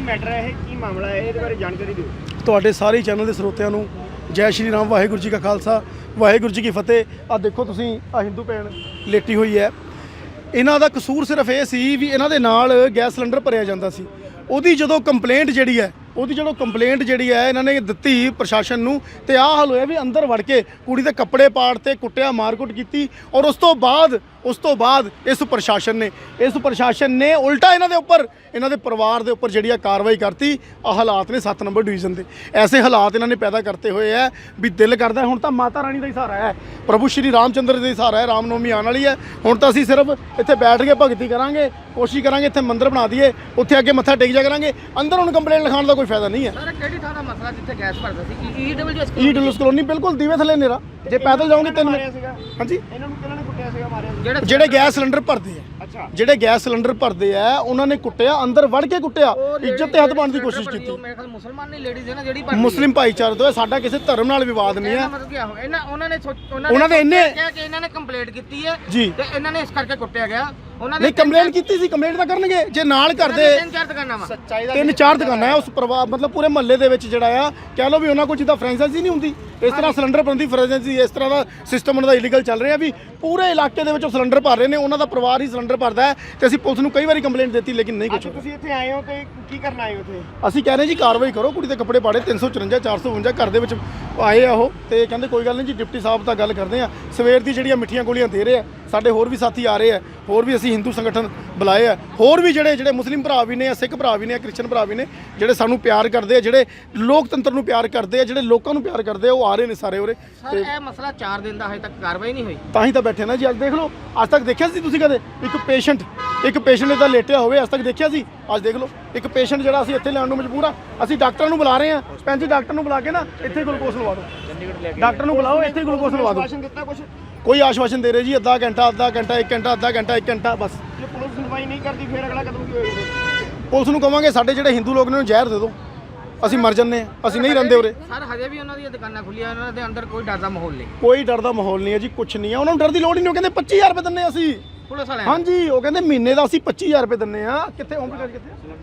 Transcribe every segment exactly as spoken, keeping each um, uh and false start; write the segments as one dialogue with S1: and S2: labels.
S1: Matter है, की मामला है, इहदे बारे जानकारी दिओ।
S2: ਤੁਹਾਡੇ ਸਾਰੇ ਚੈਨਲ ਦੇ ਸਰੋਤਿਆਂ ਨੂੰ ਜੈ ਸ਼੍ਰੀ ਰਾਮ, ਵਾਹਿਗੁਰੂ ਜੀ ਕਾ ਖਾਲਸਾ, ਵਾਹਿਗੁਰੂ ਜੀ ਕੀ ਫਤਿਹ। ਆ ਦੇਖੋ ਤੁਸੀਂ ਆ ਹਿੰਦੂ ਭੈਣ ਲੇਟੀ ਹੋਈ ਹੈ। ਇਹਨਾਂ ਦਾ ਕਸੂਰ ਸਿਰਫ ਇਹ ਸੀ ਵੀ ਇਹਨਾਂ ਦੇ ਨਾਲ ਗੈਸ ਸਿਲੰਡਰ ਭਰਿਆ ਜਾਂਦਾ ਸੀ। ਉਹਦੀ ਜਦੋਂ ਕੰਪਲੇਂਟ ਜਿਹੜੀ ਹੈ ਉਹਦੀ ਜਦੋਂ ਕੰਪਲੇਂਟ ਜਿਹੜੀ ਹੈ ਇਹਨਾਂ ਨੇ ਦਿੱਤੀ ਪ੍ਰਸ਼ਾਸਨ ਨੂੰ, ਤੇ ਆਹ ਹਾਲ ਹੋਇਆ ਵੀ ਅੰਦਰ ਵੜ ਕੇ ਕੁੜੀ ਦੇ ਕੱਪੜੇ ਪਾੜ ਤੇ ਕੁੱਟਿਆ, ਮਾਰਕੁੱਟ ਕੀਤੀ। ਔਰ ਉਸ ਤੋਂ ਬਾਅਦ ਉਸ ਤੋਂ ਬਾਅਦ ਇਸ ਪ੍ਰਸ਼ਾਸਨ ਨੇ ਇਸ ਪ੍ਰਸ਼ਾਸਨ ਨੇ ਉਲਟਾ ਇਹਨਾਂ ਦੇ ਉੱਪਰ, ਇਹਨਾਂ ਦੇ ਪਰਿਵਾਰ ਦੇ ਉੱਪਰ ਜਿਹੜੀ ਆ ਕਾਰਵਾਈ ਕਰਤੀ। ਆ ਹਾਲਾਤ ਨੇ ਸੱਤ ਨੰਬਰ ਡਿਵੀਜ਼ਨ ਦੇ, ਐਸੇ ਹਾਲਾਤ ਇਹਨਾਂ ਨੇ ਪੈਦਾ ਕਰਤੇ ਹੋਏ ਹੈ ਵੀ ਦਿਲ ਕਰਦਾ ਹੁਣ ਤਾਂ ਮਾਤਾ ਰਾਣੀ ਦਾ ਹੀ ਸਹਾਰਾ ਹੈ, ਪ੍ਰਭੂ ਸ਼੍ਰੀ ਰਾਮ ਚੰਦਰ ਦਾ ਹੀ ਸਹਾਰਾ ਹੈ। ਰਾਮ ਨਵਮੀ ਆਉਣ ਵਾਲੀ ਹੈ, ਹੁਣ ਤਾਂ ਅਸੀਂ ਸਿਰਫ ਇੱਥੇ ਬੈਠ ਕੇ ਭਗਤੀ ਕਰਾਂਗੇ, ਕੋਸ਼ਿਸ਼ ਕਰਾਂਗੇ ਇੱਥੇ ਮੰਦਿਰ ਬਣਾ ਦਈਏ, ਉੱਥੇ ਅੱਗੇ ਮੱਥਾ ਟੇਕ ਜਾ ਕਰਾਂਗੇ। ਅੰਦਰ ਹੁਣ ਕੰਪਲੇਂਟ ਲਿਖਾਉਣ ਦਾ ਕੋਈ ਫਾਇਦਾ ਨਹੀਂ ਹੈ।
S3: ਸਰ ਕਿਹੜੀ ਥਾਂ ਦਾ ਮਸਲਾ ਜਿੱਥੇ ਗੈਸ ਭਰਦਾ ਸੀ? ਈਡਬਲਯੂਐਸ
S2: ਈ ਡਬਲਯੂਐਸ ਕਲੋਨੀ ਬਿਲਕੁਲ ਦੀਵੇ ਥੱਲੇ ਨੇਰਾ, ਜੇ ਪੈਦਲ ਜਾਓਗੇ ਤਿੰਨ ਮਿੰਟ। ਹਾਂਜੀ,
S1: ਇਹਨਾਂ ਨੂੰ ਕਿਹਨਾਂ ਨੇ ਕੁੱਟਿਆ ਸੀਗਾ, ਮਾਰਿਆ ਸੀਗਾ?
S3: ਜਿਹੜੇ
S2: ਜਿਹੜੇ ਗੈਸ ਸਿਲੰਡਰ ਭਰਦੇ ਆ,
S1: ਅੱਛਾ,
S2: ਜਿਹੜੇ ਗੈਸ ਸਿਲੰਡਰ ਭਰਦੇ ਆ ਉਹਨਾਂ ਨੇ ਕੁੱਟਿਆ, ਅੰਦਰ ਵੜ ਕੇ ਕੁੱਟਿਆ, ਇੱਜ਼ਤ ਤੇ ਹੱਥ ਪਾਉਣ ਦੀ ਕੋਸ਼ਿਸ਼ ਕੀਤੀ।
S3: ਮੇਰੇ ਖਿਆਲ ਮੁਸਲਮਾਨ ਨਹੀਂ, ਲੇਡੀਜ਼ ਹੈ ਨਾ ਜਿਹੜੀ ਭਰਦੀ ਹੈ।
S2: ਮੁਸਲਿਮ ਭਾਈਚਾਰੇ ਤੋਂ ਹੈ, ਸਾਡਾ ਕਿਸੇ ਧਰਮ ਨਾਲ ਵਿਵਾਦ ਨਹੀਂ ਹੈ।
S3: ਮਤਲਬ ਕੀ ਆ ਇਹਨਾਂ ਉਹਨਾਂ ਨੇ ਸੋਚ-
S2: ਉਹਨਾਂ ਨੇ ਇੰਨੇ
S3: ਕਿਹਾ ਕਿ ਇਹਨਾਂ ਨੇ ਕੰਪਲੇਂਟ ਕੀਤੀ ਹੈ
S2: ਜੀ,
S3: ਤੇ ਇਹਨਾਂ ਨੇ ਇਸ ਕਰਕੇ ਕੁੱਟਿਆ ਗਿਆ। ਉਹਨਾਂ
S2: ਨਹੀਂ ਕੰਪਲੇਂਟ ਕੀਤੀ ਸੀ, ਕੰਪਲੇਂਟ ਤਾਂ ਕਰਨਗੇ ਜੇ ਨਾਲ ਕਰਦੇ।
S3: ਤਿੰਨ ਚਾਰ ਦੁਕਾਨਾਂ ਵਾ,
S1: ਸੱਚਾਈ ਦਾ
S2: ਤਿੰਨ ਚਾਰ ਦੁਕਾਨਾਂ ਹੈ ਉਸ ਪਰਿਵਾਰ, ਮਤਲਬ ਪੂਰੇ ਮਹੱਲੇ ਦੇ ਵਿੱਚ ਜਿਹੜਾ ਆ ਕਹਿ ਲਓ ਵੀ ਉਹਨਾਂ ਕੋਲ ਜਿੱਦਾਂ ਫਰੈਂਚਾਈਜ਼ੀ ਨਹੀਂ ਹੁੰਦੀ, ਇਸ ਤਰ੍ਹਾਂ ਸਿਲੰਡਰ ਬਣਦੀ ਫਰੈਂਚਾਈਜ਼ੀ, ਇਸ ਤਰ੍ਹਾਂ ਦਾ ਸਿਸਟਮ ਉਹਨਾਂ ਦਾ ਇਲੀਗਲ ਚੱਲ ਰਿਹਾ ਵੀ ਪੂਰੇ ਇਲਾਕੇ ਦੇ ਵਿੱਚ ਉਹ ਸਿਲੰਡਰ ਭਰ ਰਹੇ ਨੇ। ਉਹਨਾਂ ਦਾ ਪਰਿਵਾਰ ਹੀ ਸਿਲੰਡਰ ਭਰਦਾ ਹੈ ਤੇ ਅਸੀਂ ਪੁਲਿਸ ਨੂੰ ਕਈ ਵਾਰੀ ਕੰਪਲੇਂਟ ਦਿੱਤੀ ਲੇਕਿਨ ਨਹੀਂ ਕੁਝ।
S1: ਤੁਸੀਂ ਇੱਥੇ ਆਏ ਹੋ ਤੇ ਕੀ ਕਰਨ ਆਏ ਹੋ ਇੱਥੇ?
S2: ਅਸੀਂ ਕਹਿ ਰਹੇ ਜੀ ਕਾਰਵਾਈ ਕਰੋ, ਕੁੜੀ ਦੇ ਕੱਪੜੇ ਪਾੜੇ ਤਿੰਨ ਸੌ ਚੁਰੰਜਾ ਚਾਰ ਸੌ ਬਵੰਜਾ ਘਰ ਦੇ ਵਿੱਚ ਆਏ ਆ ਉਹ, ਤੇ ਕਹਿੰਦੇ ਕੋਈ ਗੱਲ ਨਹੀਂ ਜੀ ਡਿਪਟੀ ਸਾਹਿਬ ਤਾਂ ਗੱਲ ਕਰਦੇ ਆ, ਸਵੇਰ ਦੀ ਜਿਹੜੀਆਂ ਮਿੱਠੀਆਂ ਗੋਲੀਆਂ ਦੇ ਰਹੇ ਆ। ਸਾਡੇ ਹੋਰ ਵੀ ਸਾਥੀ ਆ ਰਹੇ ਆ, ਹੋਰ ਵੀ ਅਸੀਂ ਹਿੰਦੂ ਸੰਗਠਨ ਬੁਲਾਏ ਆ, ਹੋਰ ਵੀ ਜਿਹੜੇ ਜਿਹੜੇ ਮੁਸਲਿਮ ਭਰਾ ਵੀ ਨੇ, ਸਿੱਖ ਭਰਾ ਵੀ ਨੇ, ਕ੍ਰਿਸਚਨ ਭਰਾ ਵੀ ਨੇ, ਜਿਹੜੇ ਸਾਨੂੰ ਪਿਆਰ ਕਰਦੇ ਆ, ਜਿਹੜੇ ਲੋਕਤੰਤਰ ਨੂੰ ਪਿਆਰ ਕਰਦੇ ਆ, ਜਿਹੜੇ ਲੋਕਾਂ ਨੂੰ ਪਿਆਰ ਕਰਦੇ ਆ, ਉਹ ਆ ਰਹੇ ਨੇ ਸਾਰੇ ਉਰੇ।
S3: ਸਰ ਇਹ ਮਸਲਾ ਚਾਰ ਦਿਨ ਦਾ ਹਜੇ ਤੱਕ ਕਾਰਵਾਈ ਨਹੀਂ ਹੋਈ।
S2: ਤਾਂ ਹੀ ਤਾਂ ਬੈਠੇ ਨਾ ਜੀ। ਅੱਜ ਦੇਖ ਲਓ, ਅੱਜ ਤੱਕ ਦੇਖਿਆ ਸੀ ਤੁਸੀਂ ਕਦੇ ਇੱਕ ਪੇਸ਼ੈਂਟ ਇੱਕ ਪੇਸ਼ੈਂਟ ਇੱਦਾਂ ਲੇਟਿਆ ਹੋਵੇ? ਅੱਜ ਤੱਕ ਦੇਖਿਆ ਸੀ? ਅੱਜ ਦੇਖ ਲਓ ਇੱਕ ਪੇਸ਼ੈਂਟ ਜਿਹੜਾ ਅਸੀਂ ਇੱਥੇ ਲੈਣ ਨੂੰ ਮਜਬੂਰ ਆ। ਅਸੀਂ ਡਾਕਟਰਾਂ ਨੂੰ ਬੁਲਾ ਰਹੇ ਹਾਂ, ਭੈਣ ਜੀ ਡਾਕਟਰ ਨੂੰ ਬੁਲਾ ਕੇ ਨਾ ਇੱਥੇ ਗਲੂਕੋਸ ਲਵਾ ਦਿਓ, ਡਾਕਟਰ ਨੂੰ ਬੁਲਾਓ, ਇੱਥੇ ਗਲੂਕੋਸ ਲਵਾ ਦਿਓ।
S1: ਆਸ਼ਵਾਸਨ ਦਿੱਤਾ ਕੁਝ?
S2: ਕੋਈ ਆਸ਼ਵਾਸਨ ਦੇ ਰਹੇ ਜੀ ਅੱਧਾ ਘੰਟਾ ਅੱਧਾ ਘੰਟਾ ਇੱਕ ਘੰਟਾ ਅੱਧਾ ਘੰਟਾ ਇੱਕ ਘੰਟਾ ਬਸ।
S1: ਜੇ ਪੁਲਿਸ ਸੁਣਵਾਈ ਨਹੀਂ ਕਰਦੀ ਫਿਰ ਅਗਲਾ ਕਦਮ ਕੀ ਹੋਏਗਾ?
S2: ਪੁਲਿਸ ਨੂੰ ਕਵਾਂਗੇ ਸਾਡੇ ਜਿਹੜੇ ਹਿੰਦੂ ਲੋਕ ਨੇ ਉਹਨੂੰ ਜ਼ਹਿਰ ਦੇ ਦਿਓ, ਅਸੀਂ ਮਰ ਜੰਨੇ ਆ, ਅਸੀਂ ਨਹੀਂ ਰਹਿੰਦੇ ਉਰੇ।
S3: ਸਰ ਹਜੇ ਵੀ ਉਹਨਾਂ ਦੀਆਂ ਦੁਕਾਨਾਂ ਖੁੱਲੀਆਂ, ਉਹਨਾਂ ਦੇ ਅੰਦਰ ਕੋਈ ਡਰ ਦਾ ਮਾਹੌਲ ਨਹੀਂ।
S2: ਕੋਈ ਡਰ ਦਾ ਮਾਹੌਲ ਨਹੀਂ ਹੈ ਜੀ, ਕੁਛ ਨਹੀਂ ਹੈ। ਉਹਨਾਂ ਨੂੰ ਡਰ ਦੀ ਲੋੜ ਹੀ ਨਹੀਂ। ਉਹ ਕਹਿੰਦੇ ਪੱਚੀ ਹਜ਼ਾਰ ਰੁਪਏ ਦਿੰਨੇ ਅਸੀਂ
S3: ਪੁਲਿਸ ਵਾਲੇ।
S2: ਹਾਂਜੀ, ਉਹ ਕਹਿੰਦੇ ਮਹੀਨੇ ਦਾ ਅਸੀਂ ਪੱਚੀ ਹਜ਼ਾਰ ਰੁਪਏ ਦਿੰਨੇ ਆ। ਕਿੱਥੇ ਓਮ ਪ੍ਰਕਾਸ਼?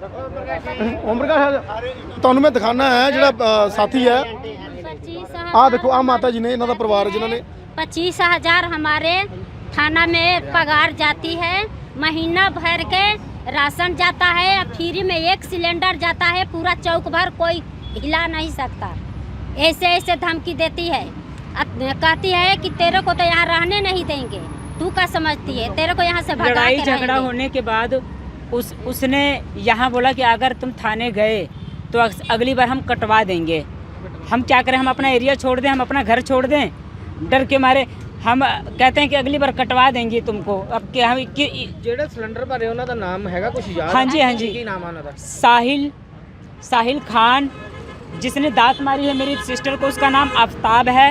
S2: ਕਿੱਥੇ ਓਮ ਪ੍ਰਕਾਸ਼? ਤੁਹਾਨੂੰ ਮੈਂ ਦਿਖਾਣਾ ਹੈ ਜਿਹੜਾ ਅ, ਸਾਥੀ ਹੈ। ਆ ਦੇਖੋ ਆ ਮਾਤਾ ਜੀ ਨੇ, ਇਹਨਾਂ ਦਾ ਪਰਿਵਾਰ ਜਿਨ੍ਹਾਂ ਨੇ
S4: पच्चीस हजार हमारे थाना में पगार जाती है, महीना भर के राशन जाता है, फ्री में एक सिलेंडर जाता है, पूरा चौक भर कोई हिला नहीं सकता। ऐसे ऐसे धमकी देती है, कहती है कि तेरे को तो यहाँ रहने नहीं देंगे, तू क्या समझती है, तेरे को यहाँ से भगा
S5: लड़ाई
S4: के
S5: झगड़ा
S4: रहेंगे।
S5: होने के बाद उस उसने यहाँ बोला कि अगर तुम थाने गए तो अगली बार हम कटवा देंगे। हम क्या करें, हम अपना एरिया छोड़ दें, हम अपना घर छोड़ दें? डर के मारे हम कहते हैं कि अगली बार कटवा देंगे तुमको। अब क्या हम कि,
S3: ਜਿਹੜੇ ਸਿਲੰਡਰ ਭਰੇ ਉਹਨਾਂ ਦਾ ਨਾਮ ਹੈਗਾ ਕੁਝ ਯਾਦ?
S5: हाँ जी हाँ जी,
S3: ਕੀ ਨਾਮ ਆ ਉਹਨਾਂ ਦਾ?
S5: साहिल साहिल खान, जिसने दांत मारी है मेरी सिस्टर को, उसका नाम आफ्ताब है।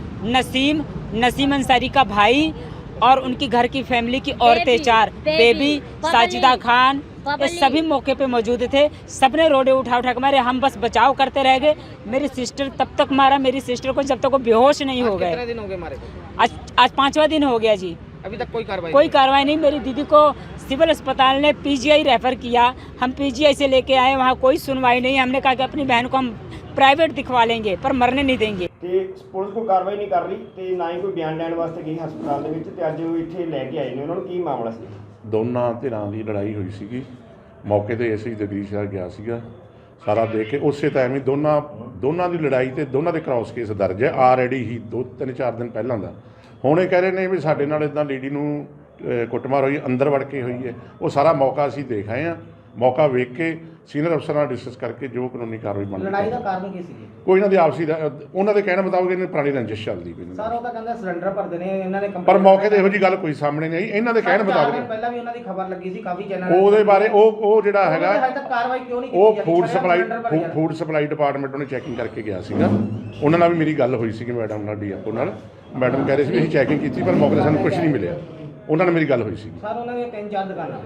S5: नसीम नसीम अंसारी का भाई और उनकी घर की फैमिली की औरतें चार, बेबी, साजिदा खान, ये सभी मौके पे मौजूद थे। सबने रोडे उठा उठा के मारे, हम बस बचाव करते रह गए। मेरी सिस्टर तब तक मारा मेरी सिस्टर को जब तक वो बेहोश नहीं हो
S3: कितने
S5: गए।
S3: दिन हो गए मारे को?
S5: आज आज पाँचवा दिन हो गया जी,
S3: अभी तक कोई कार्रवाई
S5: कोई कार्रवाई नहीं। मेरी दीदी को सिविल अस्पताल ने पीजीआई रेफर किया, हम पीजीआई से लेके आए, वहाँ कोई सुनवाई नहीं। हमने कहा कि अपनी बहन को हम प्राइवेट दिखवा लेंगे पर मरने नहीं देंगे।
S1: ਤੇ ਪੁਲਿਸ ਕੋਈ ਕਾਰਵਾਈ ਨਹੀਂ ਕਰ ਰਹੀ ਤੇ ਨਾ ਹੀ ਕੋਈ ਬਿਆਨ ਲੈਣ ਵਾਸਤੇ ਗਈ ਹਸਪਤਾਲ ਦੇ ਵਿੱਚ, ਤੇ ਅੱਜ ਉਹ ਇੱਥੇ ਲੈ ਕੇ ਆਏ ਨੇ। ਉਹਨਾਂ ਨੂੰ ਕੀ ਮਾਮਲਾ ਸੀ?
S6: ਦੋਨਾਂ ਧਿਰਾਂ ਦੀ ਲੜਾਈ ਹੋਈ ਸੀਗੀ। ਮੌਕੇ ਤੇ ਐਸਆਈ ਜਗਦੀਸ਼ ਸਾਹਿਬ ਗਿਆ ਸੀਗਾ, ਸਾਰਾ ਦੇਖ ਕੇ ਉਸੇ ਟਾਈਮ ਹੀ ਦੋਨਾਂ ਦੋਨਾਂ ਦੀ ਲੜਾਈ ਤੇ ਦੋਨਾਂ ਦੇ ਕ੍ਰਾਸ ਕੇਸ ਦਰਜ ਹੈ ਆਲਰੇਡੀ ਹੀ ਦੋ ਤਿੰਨ ਚਾਰ ਦਿਨ ਪਹਿਲਾਂ ਦਾ। ਹੁਣ ਇਹ ਕਹਿ ਰਹੇ ਨੇ ਵੀ ਸਾਡੇ ਨਾਲ ਇੱਦਾਂ ਲੇਡੀ ਨੂੰ ਕੁੱਟਮਾਰ ਹੋਈ, ਅੰਦਰ ਵੜ ਕੇ ਹੋਈ ਹੈ। ਉਹ ਸਾਰਾ ਮੌਕਾ ਅਸੀਂ ਦੇਖ ਆਏ ਹਾਂ। ਮੌਕਾ ਵੇਖ ਕੇ ਸੀਨੀਅਰ ਅਫਸਰ ਨਾਲ ਡਿਸਕਸ ਕਰਕੇ ਜੋ ਕਾਨੂੰਨੀ ਕਾਰਵਾਈ ਬਣਦੀ।
S3: ਲੜਾਈ ਦਾ ਕਾਰਨ ਕੀ ਸੀ?
S6: ਕੋਈ ਇਹਨਾਂ ਦੀ ਆਪਸੀ ਉਹਨਾਂ ਦੇ ਕਹਿਣ ਮੁਤਾਬਕ ਇਹਨਾਂ ਪੁਰਾਣੀ ਰੰਜਿਸ਼ ਚੱਲਦੀ ਕੋਈ
S3: ਸਰ ਉਹ ਤਾਂ ਕਹਿੰਦਾ ਸਿਲੰਡਰ ਭਰਦੇ ਨੇ ਇਹਨਾਂ ਨੇ,
S6: ਪਰ ਮੌਕੇ ਤੇ ਇਹੋ ਜੀ ਗੱਲ ਕੋਈ ਸਾਹਮਣੇ ਨਹੀਂ ਆਈ। ਇਹਨਾਂ ਦੇ ਕਹਿਣ ਮੁਤਾਬਕ
S3: ਪਹਿਲਾਂ ਵੀ ਉਹਨਾਂ ਦੀ ਖਬਰ ਲੱਗੀ ਸੀ ਕਾਫੀ ਚੈਨਲ,
S6: ਉਹਦੇ ਬਾਰੇ ਉਹ ਉਹ ਜਿਹੜਾ ਹੈਗਾ
S3: ਹਜੇ ਤੱਕ ਕਾਰਵਾਈ ਕਿਉਂ ਨਹੀਂ ਕੀਤੀ?
S6: ਉਹ food supply food supply department ਉਹਨੇ ਚੈਕਿੰਗ ਕਰਕੇ ਗਿਆ ਸੀਗਾ। ਉਹਨਾਂ ਨਾਲ ਵੀ ਮੇਰੀ ਗੱਲ ਹੋਈ ਸੀਗੀ ਮੈਡਮ ਨਾਲ, ਡੀਐਫਓ ਨਾਲ। ਮੈਡਮ ਕਹਿ ਰਹੇ ਸੀ ਵੀ ਅਸੀਂ ਚੈਕਿੰਗ ਕੀਤੀ ਪਰ ਮੌਕੇ ਤੇ ਸਾਨੂੰ ਕੁਝ ਨਹੀਂ ਮਿਲਿਆ। ਉਹਨਾਂ ਨਾਲ ਮੇਰੀ ਗੱਲ ਹੋਈ ਸੀ।
S3: ਸਰ ਉਹਨਾਂ ਦੀਆਂ ਤਿੰਨ ਚਾਰ ਦੁਕਾਨਾਂ,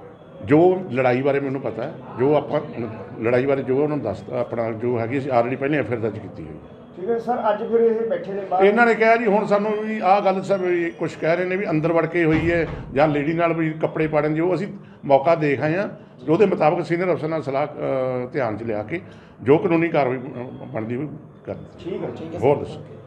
S6: ਜੋ ਲੜਾਈ ਬਾਰੇ ਮੈਨੂੰ ਪਤਾ ਹੈ, ਜੋ ਆਪਾਂ ਲੜਾਈ ਬਾਰੇ ਜੋ ਉਹਨਾਂ ਨੂੰ ਦੱਸਦਾ ਆਪਣਾ ਜੋ ਹੈਗੀ ਅਸੀਂ ਆਲਰੇਡੀ ਪਹਿਲਾਂ ਐਫ ਆਈ ਆਰ ਦਰਜ ਕੀਤੀ ਹੋਈ।
S1: ਠੀਕ ਹੈ ਸਰ, ਅੱਜ ਫਿਰ ਇਹ ਬੈਠੇ ਨੇ ਬਾਹਰ।
S6: ਇਹਨਾਂ ਨੇ ਕਿਹਾ ਜੀ ਹੁਣ ਸਾਨੂੰ ਵੀ ਆਹ ਗੱਲ ਸਰ ਵੀ ਕੁਛ ਕਹਿ ਰਹੇ ਨੇ ਵੀ ਅੰਦਰ ਵੜ ਕੇ ਹੋਈ ਹੈ ਜਾਂ ਲੇਡੀ ਨਾਲ ਵੀ ਕੱਪੜੇ ਪਾੜਨ ਜੋ ਅਸੀਂ ਮੌਕਾ ਦੇਖ ਆਏ ਹਾਂ। ਉਹਦੇ ਮੁਤਾਬਕ ਸੀਨੀਅਰ ਅਫਸਰ ਨਾਲ ਸਲਾਹ ਅ, ਧਿਆਨ 'ਚ ਲਿਆ ਕੇ ਜੋ ਕਾਨੂੰਨੀ ਕਾਰਵਾਈ ਅ, ਬਣਦੀ ਹੋਈ ਕਰ
S1: ਠੀਕ ਹੈ ਠੀਕ ਹੈ
S6: ਹੋਰ ਦੱਸੋ।